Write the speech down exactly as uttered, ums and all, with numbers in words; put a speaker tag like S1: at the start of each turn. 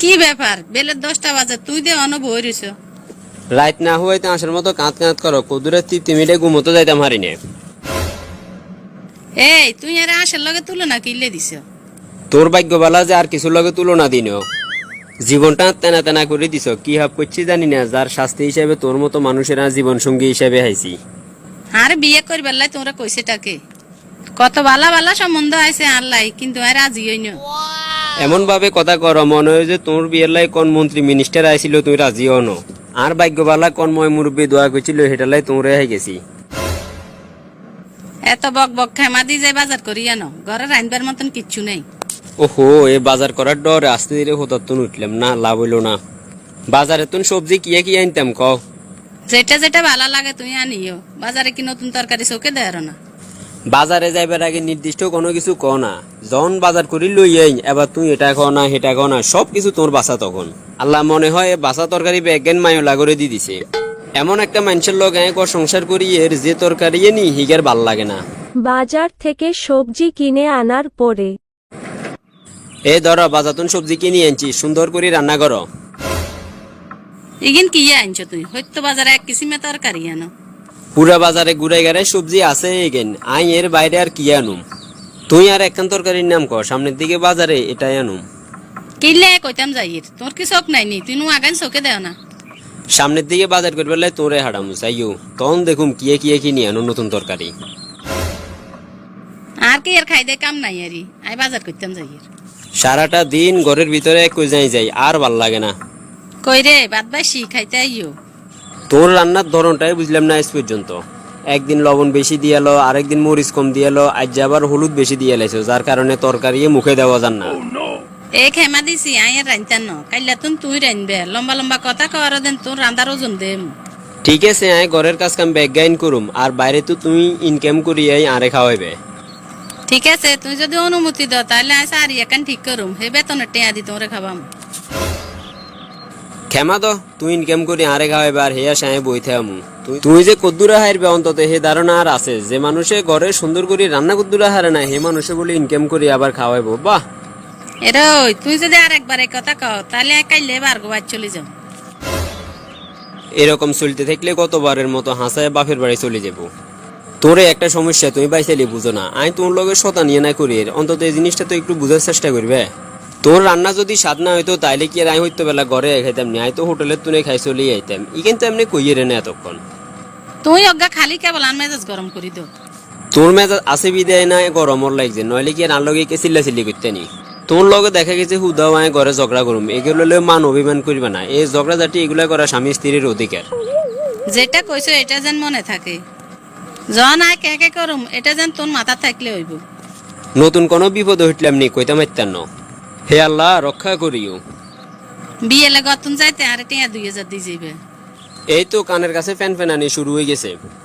S1: কি ব্যাপার বেলের দশটা বাজে তুই দে অন বই রইছ।
S2: রাত না হইতে আসার মতো কাঁত কাঁত করো কদুরে তৃপ্তি মিটে ঘুমোতে যাইতাম হারিনে।
S1: এই তুই আরে আশের লগে তুলনা কিনলে দিছ।
S2: তোর ভাগ্য বালা যে আর কিছু লগে তুলনা দিনও জীবনটা তেনা তেনা করে দিছ। কি হাব করছি জানি না, যার শাস্তি হিসেবে তোর মতো মানুষেরা জীবন সঙ্গী হিসেবে হাইছি।
S1: আর বিয়ে করবার লাই তোমরা কইছেটাকে কত বালা বালা সম্বন্ধ আছে আল্লাহ, কিন্তু আর রাজি হইন।
S2: এমন ভাবে কথা কর মনে হয় যে তোর বিয়ের লাই কোন মন্ত্রী মিনিস্টার আইছিল তুই রাজি হন। আর ভাগ্য বালা কোন ময় মুরব্বী দোয়া করছিল সেটা লাই তোমরা হাই গেছি।
S1: এত বক বক খেমা দি যে বাজার করি আনো, ঘরে রাইনবার মতন কিচ্ছু নেই।
S2: ওহো, এ বাজার করার ডরে আস্তে ধীরে হতাত্তন উঠলাম না, লাভ হইল না। বাজারে তুন সবজি কিয়া কি আনতাম ক।
S1: যেটা যেটা ভালো লাগে তুই আনিও, বাজারে কি নতুন তরকারি চোখে দেয় না।
S2: বাজারে যাইবার আগে নির্দিষ্ট কোনো কিছু ক না, যখন বাজার করি লই আইন এবার তুই এটা খ না সেটা খ না, সব কিছু তোর বাসা। তখন আল্লাহ মনে হয় বাসা তরকারি ব্যাগেন মায়োলা করে দি দিছে। এমন একটা মানুষের লোক এক সংসার করি এর যে তরকারি নি হিগার ভাল লাগে না।
S3: বাজার থেকে সবজি কিনে আনার পরে
S2: এ ধর বাজাতুন সবজি কিনে আনছি, সুন্দর করে রান্না করো।
S1: ইগিন কি আনছো তুই? হয়তো বাজারে এক কিসিমে তরকারি আনো।
S2: পুরা বাজারে ঘুরে গেড়ে সবজি আছে এগেন, আই এর বাইরে আর কি আনুম। তুই আর একখান তরকারির নাম কর, সামনের দিকে বাজারে এটাই আনুম।
S1: কিনলে কইতাম যাইর, তোর কি চোখ নাইনি? তুই নু আগান চোখে দেও না।
S2: সামনের দিকে বাজার করবে তোরে হারামু চাইও, তখন দেখুম কিয়ে কিয়ে কিনি আনো নতুন তরকারি।
S1: আর কি এর খাই দে কাম নাই আরি, আই বাজার করতাম যাইর।
S2: সারাটা দিন ঘরের ভিতরে কই যাই যাই আর ভাল লাগে না।
S1: কই রে বাদ বাসি খাইতে আইও।
S2: তোর রান্নার ধরনটাই বুঝলাম না আজ পর্যন্ত। একদিন লবণ বেশি দিয়ালো, আরেকদিন মরিচ কম দিয়ালো, আজ আবার হলুদ বেশি দিয়ে লাইছো, যার কারণে তরকারি মুখে দেওয়া যান না।
S1: এ খেমা দিছি আই আর রাইনতাম ন, কাইলা তুন তুই রাইনবে। লম্বা লম্বা কথা কওয়ার দেন তোর রান্দার ওজন দেম।
S2: ঠিক আছে, আয় ঘরের কাজ কাম ব্যাগ গাইন করুম, আর বাইরে তো তুই ইনকাম করি আই আরে খাওয়াইবে।
S1: ঠিক আছে, তুই যদি অনুমতি দাও তাহলে আই সারি একান ঠিক করুম, হে বেতনের টেয়া দি তোরে খাবাম।
S2: ক্ষমা তো তুই ইনকাম করি আরে খাওয়াইবে আর হেয়া সাহে বইতে আমু। তুই যে কদ্দুরা হারবে অন্তত হে ধারণা আর আছে যে মানুষে ঘরে সুন্দর করে রান্না কদ্দুরা হারে না, হে মানুষে বলে ইনকাম করি আবার খাওয়াইবো। বাহ
S1: এরে ওই তুই যদি আর একবার এই কথা কও তাহলে কাইলে বারগো বাদ চলে যাও।
S2: এরকম চলতে থাকলে কতবারের মতো হাসায় বাপের বাড়ি চলে যাব। তোরে একটা সমস্যা তুই বাইসালি বুঝো না, আই তোর লগে শতা নিয়ে না করি, অন্তত এই জিনিসটা তো একটু বুঝার চেষ্টা করবে। তোর রান্না যদি স্বাদ না হইতো তাইলে কি আর আই হইতো বেলা ঘরে খাইতাম নি, আই তো হোটেলের তুনে খাই চলিয়ে আইতাম। ই কিন্তু এমনি কইয়ে রে না এতক্ষণ।
S1: তুই অজ্ঞা খালি কেবল আন মেজাজ গরম করি দো।
S2: তোর মেজাজ আছে বিদায় না গরমর লাগছে, নইলে কি আর আন লগে কে চিল্লা চিল্লি করতে নি। তোর লগে দেখা গেছে হুদাও আয় ঘরে ঝগড়া করুম, এগুলো মান অভিমান করবে না। এই ঝগড়া জাতি এগুলা করা স্বামী স্ত্রীর অধিকার।
S1: যেটা কইছো এটা যেন মনে থাকে, জন আয় কে কে করুম এটা যেন তোর মাথা থাকলে হইব।
S2: নতুন কোনো বিপদ হইতলাম নি কইতাম ইত্যান্ন। হে আল্লাহ রক্ষা করিও।
S1: বিয়েলে গতন যাইতে আর টিয়া দুই হাজার দিয়ে যাইবে।
S2: এই তো কানের কাছে ফ্যান ফ্যানানি শুরু হয়ে গেছে।